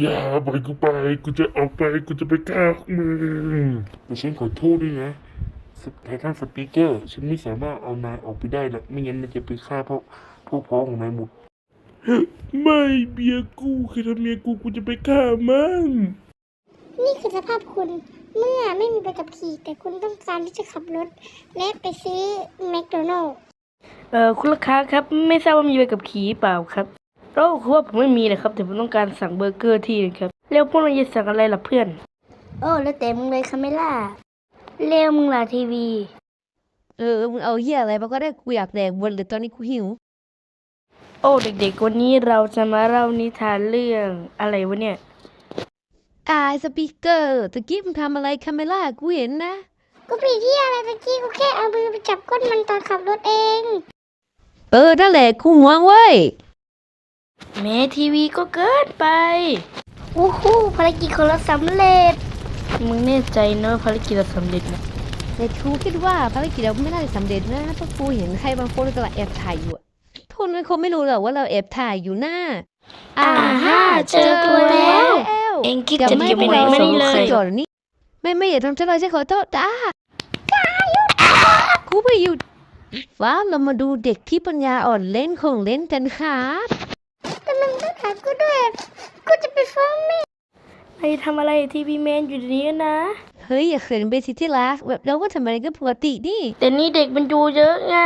อย่าปล่อยกูไปกูจะออกไปกูจะไปฆ่าพวกมึงแต่ฉันขอโทษด้วยนะไททันสปีกเกอร์ฉันไม่สามารถเอานายออกไปได้หรอกไม่งั้นมันจะไปฆ่าพวกพ้องของนายหมดไม่เบียร์กูใครทำเมียกูจะไปฆ่ามันนี่คือสภาพคุณเมื่อไม่มีใบขับขี่แต่คุณต้องการที่จะขับรถและไปซื้อแมคโดนัลด์คุณลูกค้าครับไม่ทราบว่ามีใบขับขี่เปล่าครับคือว่าผมไม่มีเลยครับแต่ผมต้องการสั่งเบอร์เกอร์ที่นึงครับแล้วพวกเราจะสั่งอะไรล่ะเพื่อนแล้วแต่มึงเลยคาเมล่าเร็วมึงล่ะทีวีมึงเอาเหี้ยอะไรมาก็ได้กูอยากแดกบนเลยตอนนี้กูหิวเด็กๆวันนี้เราจะมาเล่านิทานเรื่องอะไรวะเนี่ยสปีกเกอร์ตะกี้มึงทำอะไรคาเมล่ากูเห็นนะกูผิดที่อะไรตะกี้กูแค่เอามือไปจับก้นมันตอนขับรถเองนั่นแหละกูห่วงเว้ยแม่ทีวีก็เกินไปภารกิจของเราสำเร็จมึงแน่ใจเนอะภารกิจเราสำเร็จนะแต่กูคิดว่าภารกิจเราไม่น่าจะสำเร็จนะเพราะกูเห็นใครบางคนกำลังแอบถ่ายอยู่ทุนมันคงไม่รู้หรอกว่าเราแอบถ่ายอยู่หน้าเจอตัวแล้วเอ็งคิดจะหนีไปไหนไม่เลยนี่ไม่อย่าทำฉันเลยฉันขอโทษกูไปอยู่ฟ้าเรามาดูเด็กที่ปัญญาอ่อนเล่นของเล่นกันครับแต่มึงต้องถามกูด้วยกูจะไปฟ้องแม่ไอ้ทำอะไรทีวีแมนอยู่นี้นะเฮ้ยอย่าเขินไปสิที่รักแบบเราก็ทำอะไรก็ปกติดิแต่นี่เด็กมันดูเยอะไง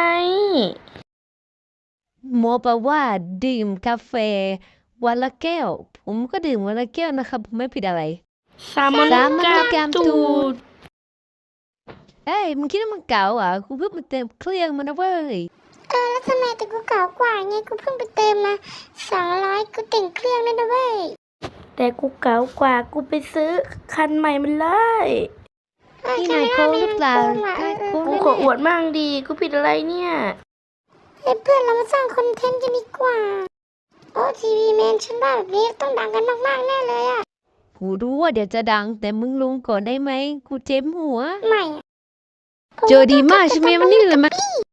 โมบอกว่าดื่มกาแฟวันละแก้วผมก็ดื่มวันละแก้วนะครับผมไม่ผิดอะไรสามกามตูดมึงคิดว่ามันเก่าอ่ะกูเพิ่งมาเติมเครื่องมันนะเว้ยแล้วทำไมแต่กูเก่ากว่าไงกูเพิ่งไปเติมมา200กูแต่งเครื่องนั่นนะเว้ยแต่กูเก่ากว่ากูไปซื้อคันใหม่มันเลยนี่นายโค้งหรือเปล่ากูขออวดมั่งดีกูผิดอะไรเนี่ยเพื่อนเรามาสร้างคอนเทนต์กันดีกว่าทีวีแมนฉันว่าแบบนี้ต้องดังกันมากๆแน่เลยอ่ะกูรู้ว่าเดี๋ยวจะดังแต่มึงลงก่อนได้ไหมกูเจ็บหัวไม่เจอดีมากใช่ไหมมันนี่เลยมั้ย